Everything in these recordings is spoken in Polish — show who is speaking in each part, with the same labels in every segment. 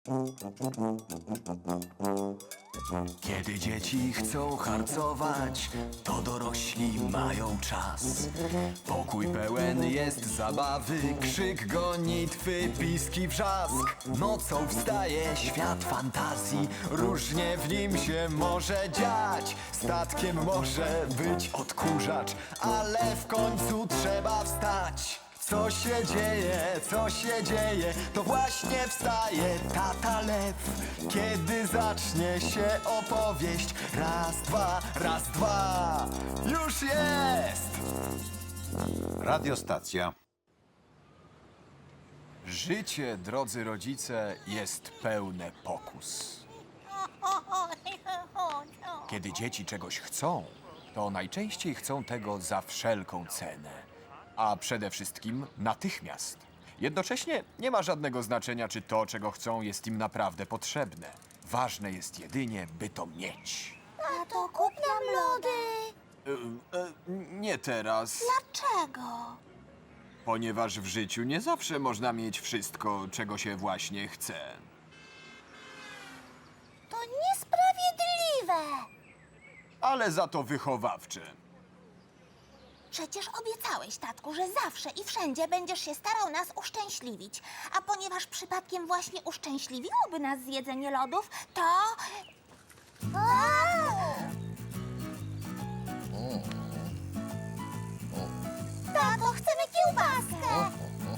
Speaker 1: Kiedy dzieci chcą harcować, to dorośli mają czas. Pokój pełen jest zabawy, krzyk, gonitwy, piski, wrzask. Nocą wstaje świat fantazji, różnie w nim się może dziać. Statkiem może być odkurzacz, ale w końcu trzeba wstać. Co się dzieje, co się dzieje, to właśnie wstaje tata lew. Kiedy zacznie się opowieść, raz, dwa, już jest!
Speaker 2: Radiostacja.
Speaker 1: Życie, drodzy rodzice, jest pełne pokus. Kiedy dzieci czegoś chcą, to najczęściej chcą tego za wszelką cenę. A przede wszystkim natychmiast. Jednocześnie nie ma żadnego znaczenia, czy to, czego chcą, jest im naprawdę potrzebne. Ważne jest jedynie, by to mieć.
Speaker 3: Tato, kup nam lody.
Speaker 1: Nie teraz,
Speaker 3: Dlaczego?
Speaker 1: ponieważ w życiu nie zawsze można mieć wszystko, czego się właśnie chce.
Speaker 3: To niesprawiedliwe.
Speaker 1: Ale za to wychowawcze.
Speaker 3: Przecież obiecałeś, tatku, że zawsze i wszędzie będziesz się starał nas uszczęśliwić. A ponieważ przypadkiem właśnie uszczęśliwiłoby nas zjedzenie lodów, to... Tato, chcemy kiełbaskę!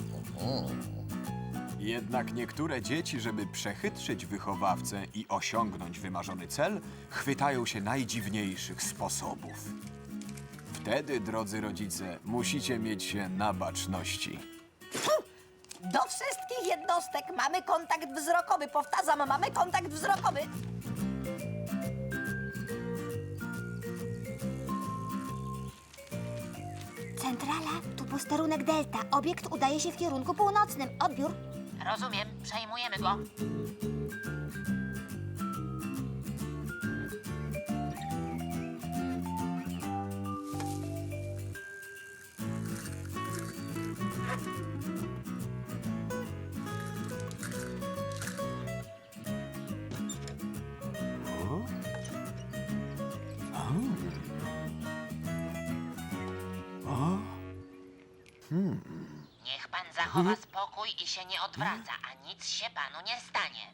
Speaker 1: Jednak niektóre dzieci, żeby przechytrzyć wychowawcę i osiągnąć wymarzony cel, chwytają się najdziwniejszych sposobów. Wtedy, drodzy rodzice, musicie mieć się na baczności.
Speaker 4: Do wszystkich jednostek mamy kontakt wzrokowy. Powtarzam, mamy kontakt wzrokowy.
Speaker 3: Centrala, tu posterunek Delta. Obiekt udaje się w kierunku północnym. Odbiór.
Speaker 5: Rozumiem, przejmujemy go. Niech pan zachowa spokój i się nie odwraca, a nic się panu nie stanie.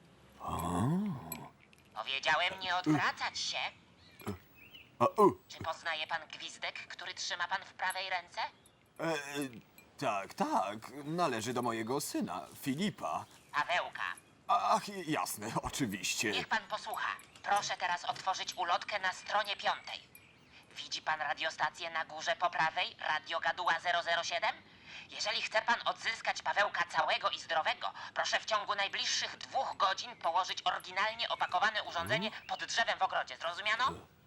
Speaker 5: Powiedziałem nie odwracać się. Czy poznaje pan gwizdek, który trzyma pan w prawej ręce?
Speaker 1: Tak, należy do mojego syna, Filipa.
Speaker 5: Pawełka.
Speaker 1: Ach, jasne, oczywiście.
Speaker 5: Niech pan posłucha. Proszę teraz otworzyć ulotkę na stronie 5. Widzi pan radiostację na górze po prawej, Radio Gaduła 007? Jeżeli chce pan odzyskać Pawełka całego i zdrowego, proszę w ciągu najbliższych 2 godzin położyć oryginalnie opakowane urządzenie pod drzewem w ogrodzie. Zrozumiano?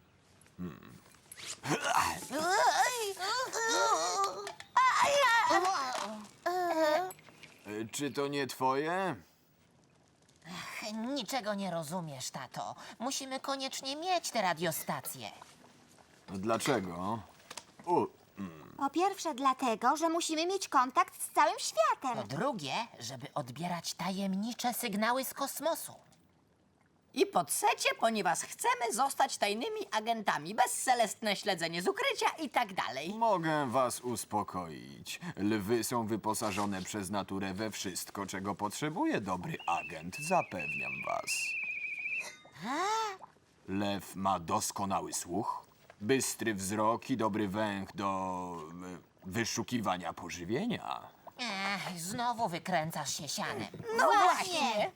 Speaker 1: Czy to nie twoje?
Speaker 5: Niczego nie rozumiesz, tato. Musimy koniecznie mieć tę radiostację.
Speaker 1: Dlaczego?
Speaker 3: Po pierwsze dlatego, że musimy mieć kontakt z całym
Speaker 5: Po
Speaker 3: światem.
Speaker 5: drugie, żeby odbierać tajemnicze sygnały z kosmosu.
Speaker 4: I po trzecie, ponieważ chcemy zostać tajnymi agentami, bezselestne śledzenie z ukrycia i tak dalej.
Speaker 1: Mogę was uspokoić. Lwy są wyposażone przez naturę we wszystko, czego potrzebuje dobry agent, zapewniam was. Lew ma doskonały słuch, bystry wzrok i dobry węch do wyszukiwania pożywienia.
Speaker 5: Znowu wykręcasz się sianem.
Speaker 4: No właśnie.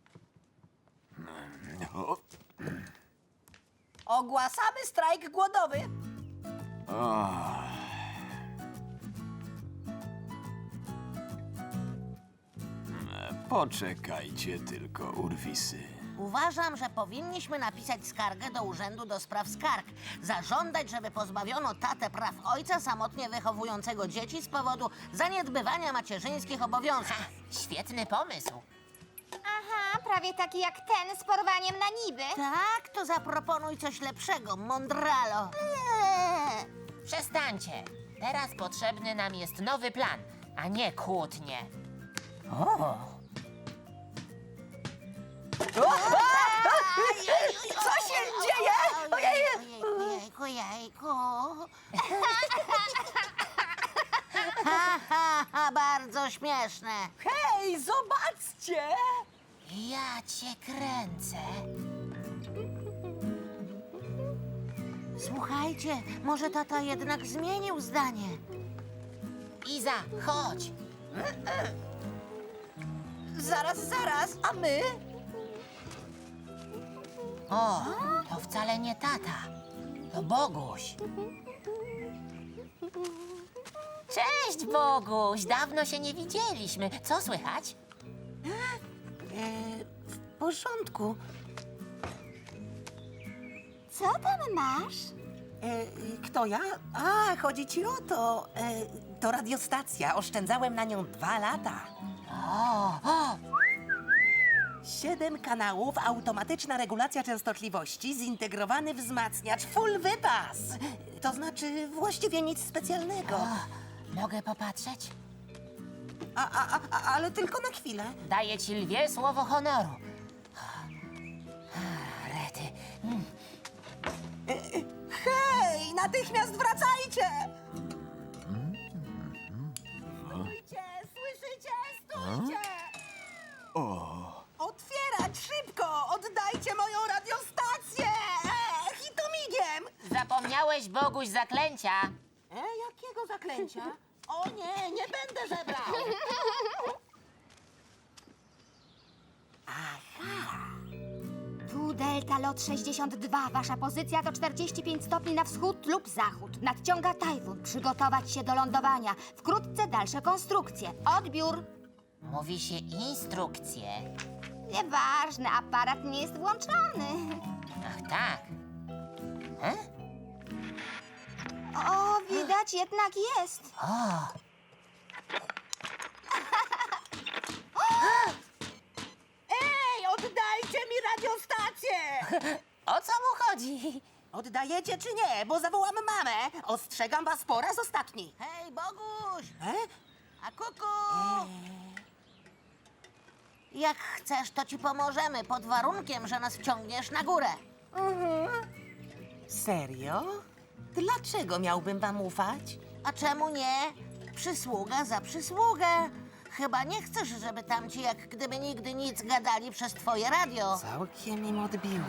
Speaker 1: O,
Speaker 4: Ogłaszamy strajk głodowy.
Speaker 1: poczekajcie tylko, urwisy.
Speaker 6: Uważam, że powinniśmy napisać skargę do Urzędu do Spraw Skarg. Zażądać, żeby pozbawiono tatę praw ojca samotnie wychowującego dzieci z powodu zaniedbywania macierzyńskich obowiązków.
Speaker 5: Świetny pomysł.
Speaker 3: Aha, prawie taki jak ten z porwaniem na niby.
Speaker 6: Tak, to zaproponuj coś lepszego, mądralo.
Speaker 5: Przestańcie. Teraz potrzebny nam jest nowy plan, a nie kłótnie.
Speaker 4: Co się dzieje? Ojej!
Speaker 6: Jejku, jejku. Ha, ha, ha, bardzo śmieszne.
Speaker 4: Hej, zobaczcie!
Speaker 6: Ja cię kręcę. Słuchajcie, może tata jednak zmienił zdanie.
Speaker 5: Iza, chodź.
Speaker 4: Zaraz, a my?
Speaker 5: O, to wcale nie tata. To Boguś. Cześć, Boguś. Dawno się nie widzieliśmy. Co słychać?
Speaker 4: W porządku.
Speaker 3: Co tam masz?
Speaker 4: Kto ja? A, chodzi ci o to. To radiostacja. Oszczędzałem na nią 2 lata.
Speaker 5: O,
Speaker 4: 7 kanałów, automatyczna regulacja częstotliwości, zintegrowany wzmacniacz, full wypas. To znaczy właściwie nic specjalnego.
Speaker 5: mogę popatrzeć?
Speaker 4: Ale tylko na chwilę.
Speaker 5: Daję ci lwie słowo honoru. Rety.
Speaker 4: Hej, natychmiast wracajcie! Słyszycie? Stójcie! Otwierać szybko! Oddajcie moją radiostację! I to migiem!
Speaker 5: Zapomniałeś, Boguś, zaklęcia.
Speaker 4: Jakiego zaklęcia? O nie, nie będę żebrał!
Speaker 2: Tu Delta Lot 62. Wasza pozycja to 45 stopni na wschód lub zachód. Nadciąga tajfun. Przygotować się do lądowania. Wkrótce dalsze konstrukcje. Odbiór.
Speaker 5: Mówi się instrukcje.
Speaker 2: Nieważne, aparat nie jest włączony.
Speaker 5: Ach, tak.
Speaker 2: O, widać, jednak jest.
Speaker 4: Ej, oddajcie mi radiostację!
Speaker 5: O co mu chodzi?
Speaker 4: Oddajecie czy nie? Bo zawołam mamę. Ostrzegam was po raz ostatni.
Speaker 6: Hej, Boguś!
Speaker 4: E?
Speaker 6: A kuku! Jak chcesz, to ci pomożemy, pod warunkiem, że nas wciągniesz na górę.
Speaker 4: Serio? Dlaczego miałbym wam ufać?
Speaker 6: A czemu nie? Przysługa za przysługę. Chyba nie chcesz, żeby tamci jak gdyby nigdy nic gadali przez twoje radio.
Speaker 4: Całkiem im odbiło.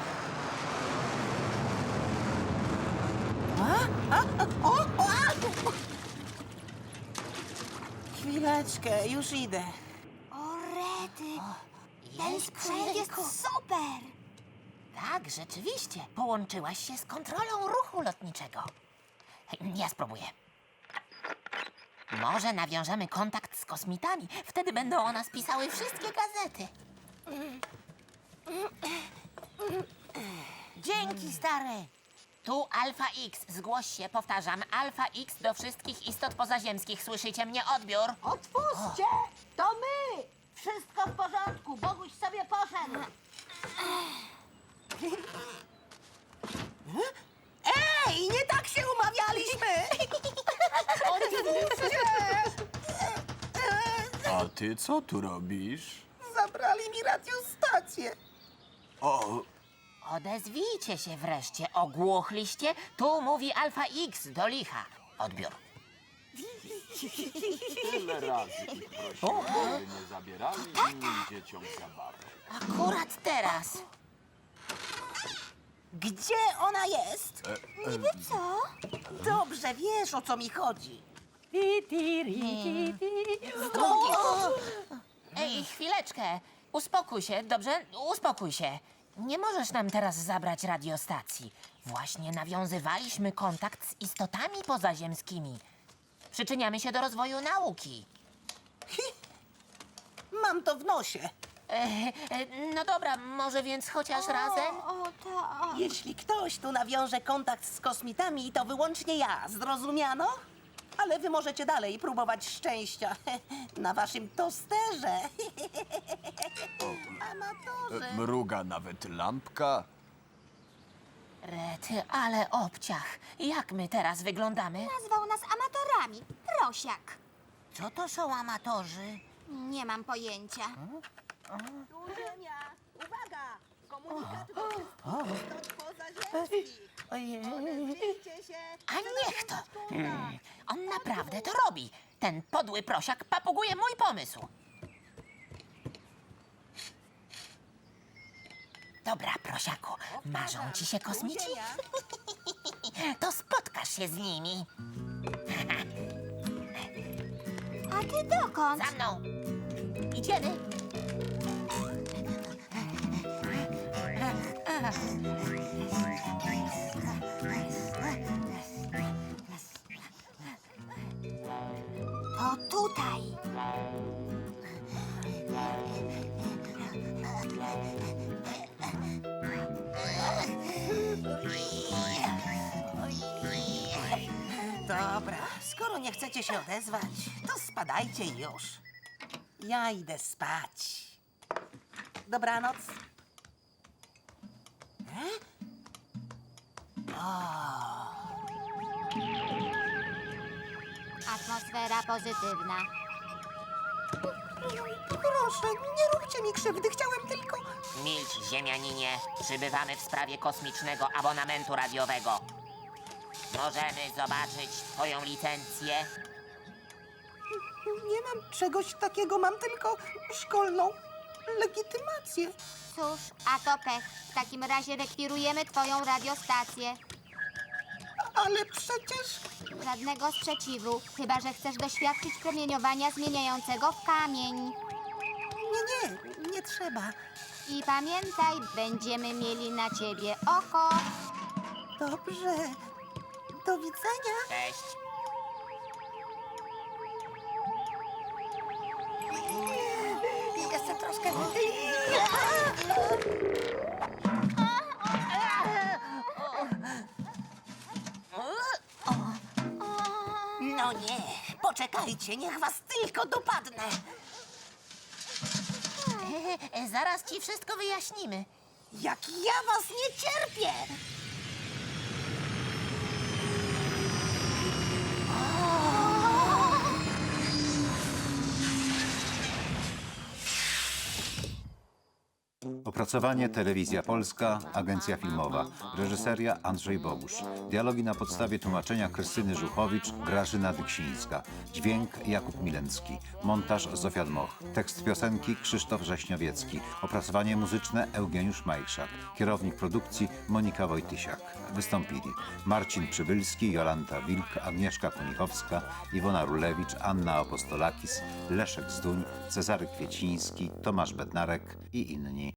Speaker 4: Chwileczkę, już idę.
Speaker 2: O, rety. Ten sprzęt jest super.
Speaker 5: Tak, rzeczywiście. Połączyłaś się z kontrolą ruchu lotniczego. Ja spróbuję. Może nawiążemy kontakt z kosmitami. Wtedy będą o nas pisały wszystkie gazety.
Speaker 6: Dzięki, stary.
Speaker 5: Tu Alfa X. Zgłoś się, powtarzam. Alfa X do wszystkich istot pozaziemskich. Słyszycie mnie? Odbiór.
Speaker 6: Otwórzcie! To my! Wszystko w porządku, Boguś sobie poszedł.
Speaker 4: Ej, nie tak się umawialiśmy!
Speaker 1: A ty co tu robisz?
Speaker 4: Zabrali mi radiostację.
Speaker 1: O,
Speaker 5: Odezwijcie się wreszcie. Ogłuchliście? Tu mówi Alfa X do licha. Odbiór.
Speaker 7: Tyle razy ich prosiłem, żeby nie zabierali innym dzieciom zabawy.
Speaker 5: Akurat teraz.
Speaker 4: Gdzie ona jest?
Speaker 2: Niby co?
Speaker 4: Dobrze wiesz, o co mi chodzi.
Speaker 5: Ej, chwileczkę. Uspokój się, dobrze? Uspokój się. Nie możesz nam teraz zabrać radiostacji. Właśnie nawiązywaliśmy kontakt z istotami pozaziemskimi. Przyczyniamy się do rozwoju nauki.
Speaker 4: Mam to w nosie.
Speaker 5: No dobra, może więc chociaż razem?
Speaker 2: O, tak.
Speaker 4: Jeśli ktoś tu nawiąże kontakt z kosmitami, to wyłącznie ja. Zrozumiano? Ale wy możecie dalej próbować szczęścia na waszym tosterze. Amatorzy.
Speaker 1: mruga nawet lampka.
Speaker 5: Rety, ale obciach. Jak my teraz wyglądamy?
Speaker 2: Nazwał nas amatorami. Prosiak.
Speaker 6: Co to są amatorzy?
Speaker 2: Nie mam pojęcia.
Speaker 4: Ziemia! Uwaga! Komunikat do
Speaker 5: A niech to. On naprawdę to robi. Ten podły prosiak papuguje mój pomysł. Dobra, prosiaku, marzą ci się kosmici? To spotkasz się z nimi.
Speaker 2: A ty dokąd?
Speaker 5: Za mną. Idziemy.
Speaker 2: To tutaj.
Speaker 4: Dobra, skoro nie chcecie się odezwać, to spadajcie już. Ja idę spać. Dobranoc.
Speaker 2: Atmosfera pozytywna.
Speaker 4: Proszę, nie róbcie mi krzywdy, chciałem tylko...
Speaker 5: Milcz, ziemianinie. Przybywamy w sprawie kosmicznego abonamentu radiowego. Możemy zobaczyć twoją licencję?
Speaker 4: Nie mam czegoś takiego, mam tylko szkolną legitymację.
Speaker 2: Cóż, a to pech. W takim razie rekwirujemy twoją radiostację.
Speaker 4: Ale przecież...
Speaker 2: Żadnego sprzeciwu, chyba że chcesz doświadczyć promieniowania zmieniającego w kamień.
Speaker 4: Nie trzeba.
Speaker 2: I pamiętaj, będziemy mieli na ciebie oko.
Speaker 4: Dobrze. Do widzenia.
Speaker 5: Cześć.
Speaker 6: Jeszcze troszkę.
Speaker 4: No nie, poczekajcie, niech was tylko dopadnę.
Speaker 5: Zaraz ci wszystko wyjaśnimy.
Speaker 4: Jak ja was nie cierpię!
Speaker 8: Opracowanie Telewizja Polska, Agencja Filmowa. Reżyseria Andrzej Bogusz. Dialogi na podstawie tłumaczenia Krystyny Żuchowicz, Grażyna Dyksińska. Dźwięk Jakub Milencki. Montaż Zofia Dmoch. Tekst piosenki Krzysztof Rześniowiecki. Opracowanie muzyczne Eugeniusz Majszak. Kierownik produkcji Monika Wojtysiak. Wystąpili Marcin Przybylski, Jolanta Wilk, Agnieszka Kunichowska, Iwona Rulewicz, Anna Apostolakis, Leszek Zduń, Cezary Kwieciński, Tomasz Bednarek i inni.